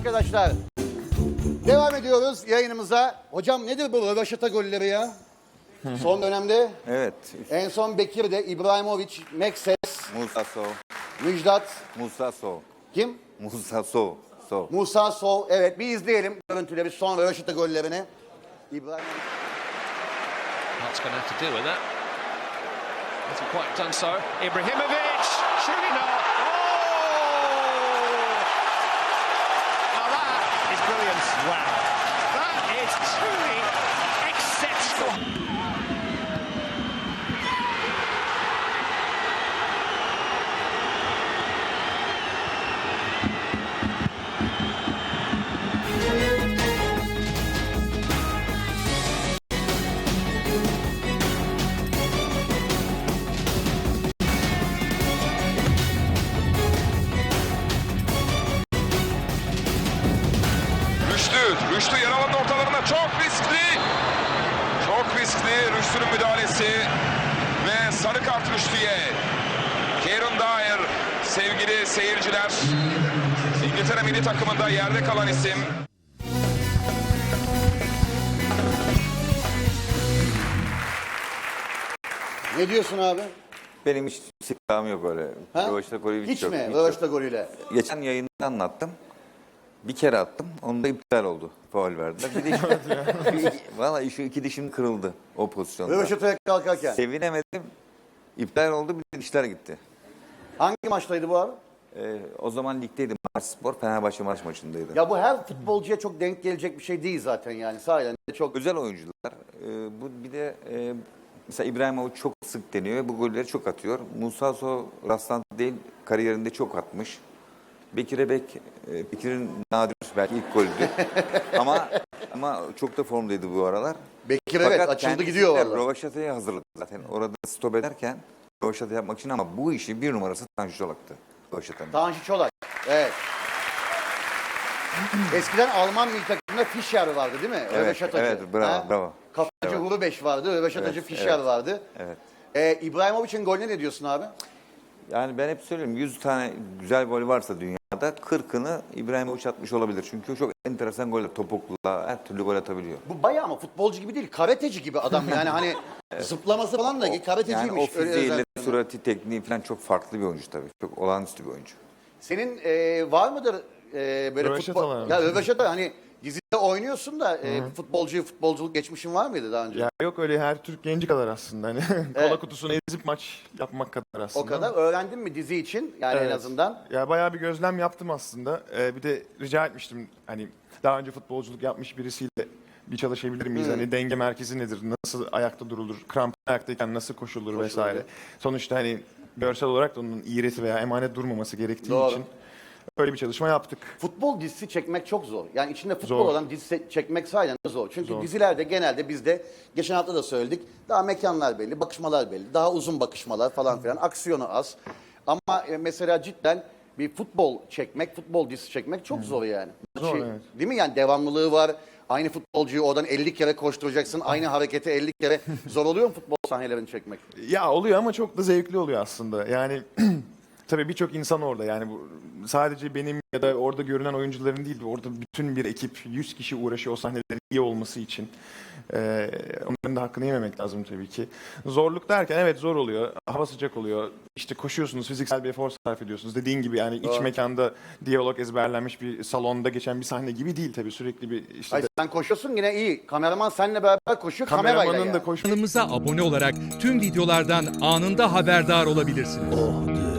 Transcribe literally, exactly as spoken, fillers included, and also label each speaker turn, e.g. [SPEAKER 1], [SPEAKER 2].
[SPEAKER 1] arkadaşlar. Devam ediyoruz yayınımıza. Hocam nedir bu rövaşata golleri ya? Son dönemde
[SPEAKER 2] Evet.
[SPEAKER 1] en son Bekir'de İbrahimovic, Mekses,
[SPEAKER 2] Musa Sow.
[SPEAKER 1] Müjdat,
[SPEAKER 2] Musa Sow.
[SPEAKER 1] kim?
[SPEAKER 2] Musa Sow. Sow.
[SPEAKER 1] Musa Sow. Evet, bir izleyelim görüntüleri, son rövaşata gollerini. İbrahimovic.
[SPEAKER 3] What's going to have to do with that? Hasn't quite done so. Ibrahimovic, surely not. Oh! Now that is brilliant. Wow. That is truly exceptional.
[SPEAKER 4] Rüştü, Rüştü yer alanın ortalarına çok riskli. Çok riskli Rüştü'nün müdahalesi. Ve sarı kart Rüştü'ye. Kieran Dyer, sevgili seyirciler. İngiltere milli takımında yerde kalan isim.
[SPEAKER 1] Ne diyorsun abi?
[SPEAKER 2] Benim hiç sıkıntım yok öyle.
[SPEAKER 1] Ha?
[SPEAKER 2] Rövaşata golü
[SPEAKER 1] Hiç
[SPEAKER 2] yok.
[SPEAKER 1] mi?
[SPEAKER 2] Hiç
[SPEAKER 1] Rövaşata
[SPEAKER 2] yok.
[SPEAKER 1] golüyle.
[SPEAKER 2] Geçen yayında anlattım. Bir kere attım. Onda iptal oldu. Faul verdiler. Bir de şu, valla şu iki dişim kırıldı o pozisyonda.
[SPEAKER 1] Rövaşataya kalkarken.
[SPEAKER 2] Sevinemedim. İptal oldu. Bir de dişler gitti.
[SPEAKER 1] Hangi maçtaydı bu abi?
[SPEAKER 2] Ee, o zaman ligdeydim. Marspor Fenerbahçe maç maçındaydı.
[SPEAKER 1] Ya bu her futbolcuya çok denk gelecek bir şey değil zaten yani. Sahiden de çok...
[SPEAKER 2] Özel oyuncular. Ee, bu bir de e, mesela İbrahimovic çok sık deniyor ve bu golleri çok atıyor. Musa Sow rastlantı değil, kariyerinde çok atmış. Bekir Ebek, e, Bekir'in nadir belki ilk golüydü. ama ama çok da formdaydı bu aralar.
[SPEAKER 1] Bekir evet
[SPEAKER 2] Fakat
[SPEAKER 1] açıldı
[SPEAKER 2] kendisi
[SPEAKER 1] gidiyor
[SPEAKER 2] de
[SPEAKER 1] valla.
[SPEAKER 2] Rövaşata'ya hazırladı zaten. Orada stop ederken rövaşata yapmak için ama bu işi bir numarası Tanju Çolak'tı. Rövaşata'nın.
[SPEAKER 1] Tanju Çolak. Evet. Eskiden Alman milli takımında Fischer vardı değil mi?
[SPEAKER 2] Evet,
[SPEAKER 1] Rövaşatacı.
[SPEAKER 2] evet, bravo,
[SPEAKER 1] Ha?
[SPEAKER 2] bravo.
[SPEAKER 1] Kafacı
[SPEAKER 2] Evet.
[SPEAKER 1] Hurubeş vardı, Rövaşatacı
[SPEAKER 2] Evet,
[SPEAKER 1] Fischer
[SPEAKER 2] evet.
[SPEAKER 1] vardı.
[SPEAKER 2] Evet.
[SPEAKER 1] Ee, İbrahimovic'in golüne ne diyorsun abi?
[SPEAKER 2] Yani ben hep söylüyorum yüz tane güzel gol varsa dünyada kırkını İbrahimovic atmış olabilir. Çünkü çok enteresan goller. Topukla her türlü gol atabiliyor.
[SPEAKER 1] Bu bayağı ama futbolcu gibi değil, karateci gibi adam yani hani zıplaması falan da
[SPEAKER 2] Yani o
[SPEAKER 1] karateciymiş. öyle
[SPEAKER 2] fiziğiyle,
[SPEAKER 1] özellikle.
[SPEAKER 2] surati, tekniği falan çok farklı bir oyuncu tabii. Çok olağanüstü bir oyuncu.
[SPEAKER 1] Senin e, var mıdır e, böyle
[SPEAKER 5] Rövaşatalar
[SPEAKER 1] futbol...
[SPEAKER 5] mı?
[SPEAKER 1] Ya rövaşata hani dizide oynuyorsun da e, futbolcu, futbolculuk geçmişin var mıydı daha önce?
[SPEAKER 5] Ya yok öyle her Türk genci kadar aslında. Hani
[SPEAKER 1] Evet.
[SPEAKER 5] kola kutusunu ezip maç yapmak kadar aslında.
[SPEAKER 1] O kadar öğrendin mi dizi için yani en
[SPEAKER 5] Evet.
[SPEAKER 1] azından?
[SPEAKER 5] Ya bayağı bir gözlem yaptım aslında. Ee, bir de rica etmiştim hani daha önce futbolculuk yapmış birisiyle bir çalışabilir miyiz? Hani denge merkezi nedir? Nasıl ayakta durulur? Kramp ayaktayken nasıl koşulur vesaire. Sonuçta hani görsel olarak da onun iğreti veya emanet durmaması gerektiği
[SPEAKER 1] Doğru.
[SPEAKER 5] için öyle bir çalışma yaptık.
[SPEAKER 1] Futbol dizisi çekmek çok zor. Yani içinde futbol
[SPEAKER 5] Zor.
[SPEAKER 1] olan dizi se- çekmek sahiden de zor. Çünkü
[SPEAKER 5] Zor.
[SPEAKER 1] dizilerde genelde bizde geçen hafta da söyledik. Daha mekanlar belli, bakışmalar belli. Daha uzun bakışmalar falan filan. Aksiyonu az. Ama e, mesela cidden bir futbol çekmek, futbol dizisi çekmek çok zor yani.
[SPEAKER 5] Zor, evet.
[SPEAKER 1] Değil mi? Yani devamlılığı var. Aynı futbolcuyu oradan elli kere koşturacaksın. Aynı hareketi elli kere. Zor oluyor mu futbol sahnelerini çekmek?
[SPEAKER 5] Ya oluyor ama çok da zevkli oluyor aslında. Yani tabii birçok insan orada. Yani bu sadece benim ya da orada görünen oyuncuların değil, orada bütün bir ekip, yüz kişi uğraşıyor o sahnelerin iyi olması için. Ee, onların da hakkını yememek lazım tabii ki. Zorluk derken evet zor oluyor. Hava sıcak oluyor. İşte koşuyorsunuz, fiziksel bir efor sarf ediyorsunuz. Dediğin gibi yani iç mekanda diyalog ezberlenmiş bir salonda geçen bir sahne gibi değil tabii. Sürekli bir işte
[SPEAKER 1] Ay sen koşuyorsun yine iyi. Kameraman seninle beraber koşuyor kamerayla
[SPEAKER 5] kameramanın
[SPEAKER 1] yani.
[SPEAKER 5] da koşması
[SPEAKER 6] Kanalımıza abone olarak tüm videolardan anında haberdar olabilirsiniz.